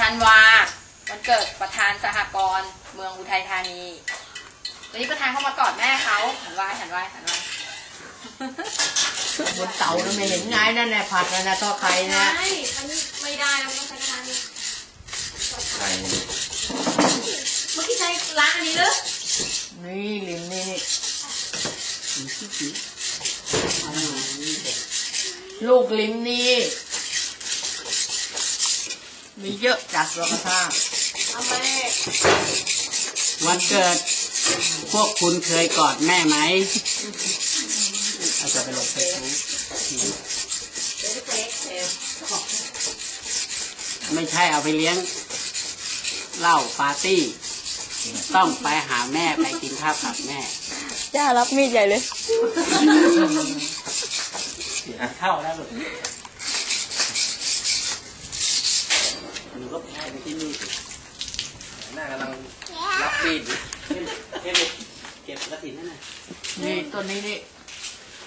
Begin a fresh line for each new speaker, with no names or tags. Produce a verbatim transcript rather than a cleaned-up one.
ธันวาวันเกิดประธานสหกรณ์เมืองอุทัยธานีวันนี้ประธานเข้ามากอดแม่เขาหันไหวหันไหวหันไหว
บนเตาไม่เห็นไงนั่นแหละผัดนั่นแหละทอดไข่นะ
ใช่อันนี้ไม่ได้แล้วต้องใช้กระทะนี้
ไข่
เมื่อกี้ใช้ล้างอันนี้หรือ
นี่ลิมนี่ลูกลิมนี่มีเยอะจัดราคา
เอาไป
วันเกิดพวกคุณเคยกอดแม่ไหมอาจจะไปลงเฟซบุ๊กไม่ใช่เอาไปเลี้ยงเหล้าปาร์ตี้ต้องไปหาแม่ไปกินข้าวกับแม่
ย่ารับมีดใหญ่เลย
เข้าแล้วลูกหนูก็แพ้ไปที่นี่สิ
หน้ากำลังรับปีดอยู่
เก็บกระถิ่นนั่นน่ะนี่ต้นนี้นี่